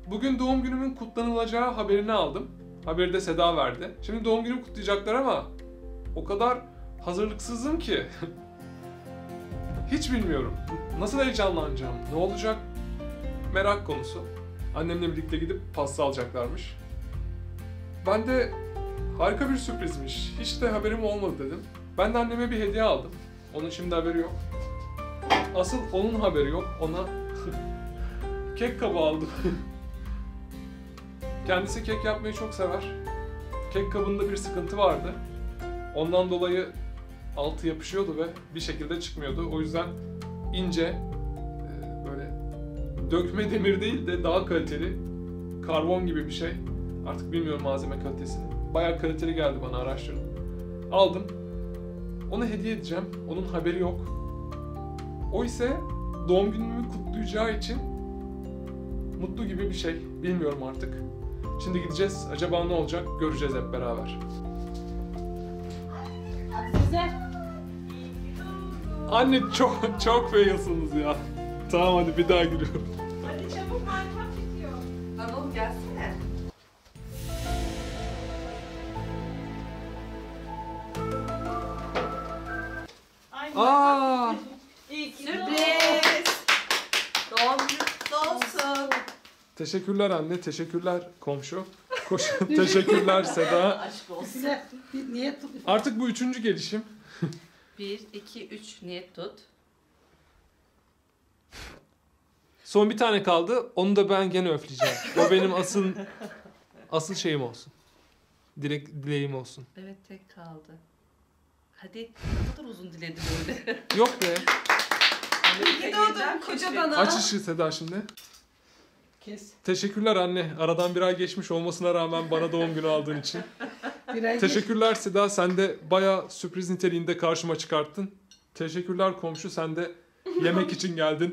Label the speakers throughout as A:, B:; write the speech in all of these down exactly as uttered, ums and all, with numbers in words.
A: Bugün doğum günümün kutlanılacağı haberini aldım. Haberi de Seda verdi. Şimdi doğum günümü kutlayacaklar ama o kadar hazırlıksızım ki. Hiç bilmiyorum. Nasıl heyecanlanacağım, ne olacak merak konusu. Annemle birlikte gidip pasta alacaklarmış. Ben de harika bir sürprizmiş, hiç de haberim olmadı dedim. Ben de anneme bir hediye aldım. Onun şimdi haberi yok. Asıl onun haberi yok, ona kek kabı aldım. Kendisi kek yapmayı çok sever. Kek kabında bir sıkıntı vardı. Ondan dolayı altı yapışıyordu ve bir şekilde çıkmıyordu. O yüzden ince, böyle dökme demir değil de daha kaliteli, karbon gibi bir şey. Artık bilmiyorum malzeme kalitesini. Bayağı kaliteli geldi bana, araştırdım. Aldım. Ona hediye edeceğim. Onun haberi yok. O ise doğum günümü kutlayacağı için mutlu gibi bir şey. Bilmiyorum artık. Şimdi gideceğiz. Acaba ne olacak? Göreceğiz hep beraber.
B: Güzel.
A: Anne çok çok failsınız ya. Tamam hadi bir daha giriyorum.
B: Hadi çabuk, marifat bitiyor.
C: Anıl gelsene.
B: Ay,
A: Aa!
B: İyi ki
C: Sürpriz. Doğum günün kutlu olsun.
A: Teşekkürler anne, teşekkürler komşu. Koş, teşekkürler Seda.
C: Aşk olsun.
B: Güzel. Bir niyet tut.
A: Artık bu üçüncü gelişim.
C: Bir, iki, üç niyet tut.
A: Son bir tane kaldı. Onu da ben gene öfleyeceğim. O benim asıl asıl şeyim olsun. Direkt dileğim olsun.
C: Evet, tek kaldı. Hadi, ne kadar uzun diledin öyle.
A: Yok be.
C: İyi doğdun koca bana.
A: Aç ışığı Seda şimdi.
B: Kes.
A: Teşekkürler anne. Aradan bir ay geçmiş olmasına rağmen bana doğum günü aldığın için.
B: Bir ay
A: Teşekkürler Seda. Sen de bayağı sürpriz niteliğinde karşıma çıkarttın. Teşekkürler komşu. Sen de yemek için geldin.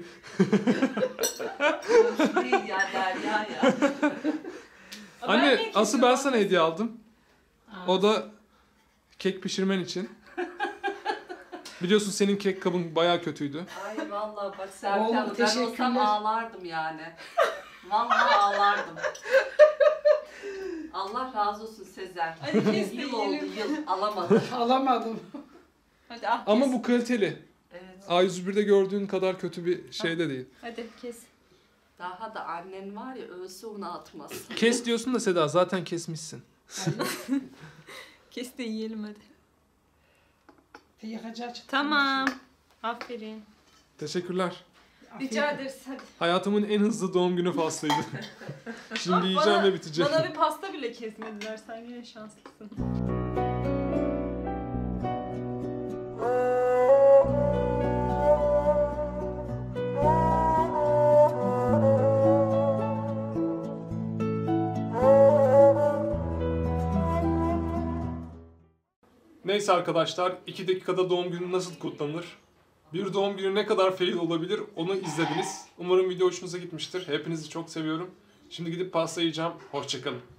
C: Değil ya Derya ya.
A: Anne asıl ben sana hediye aldım. O da kek pişirmen için. Biliyorsun senin kek kabın bayağı kötüydü.
C: Ay vallahi bak Serkan
B: Oğlum,
C: Hanım, ben olsam
B: teşekkürler.
C: ağlardım yani. Vallahi ağlardım. Allah razı olsun Sezer.
B: Hadi kes de
C: Yıl oldu
B: yiyelim.
C: yıl alamadım.
B: alamadım.
D: Hadi ah
A: Ama
D: kes.
A: bu kaliteli.
C: Evet.
A: A yüz bir'de gördüğün kadar kötü bir şey de değil.
D: Hadi kes.
C: Daha da annen var ya, ölse onu atmaz.
A: Kes diyorsun da Seda zaten kesmişsin.
D: Kes de yiyelim hadi.
B: Yıkacağı çıktı.
D: Tamam. Aferin.
A: Teşekkürler.
D: Rica ederiz hadi.
A: Hayatımın en hızlı doğum günü faslıydı. Şimdi yiyeceğim ve bitecek.
D: Bana bir pasta bile kesmediler. Sen yine şanslısın.
A: Neyse arkadaşlar, iki dakikada doğum günü nasıl kutlanır? Bir doğum günü ne kadar fail olabilir onu izlediniz. Umarım video hoşunuza gitmiştir. Hepinizi çok seviyorum. Şimdi gidip pasta yiyeceğim. Hoşça kalın.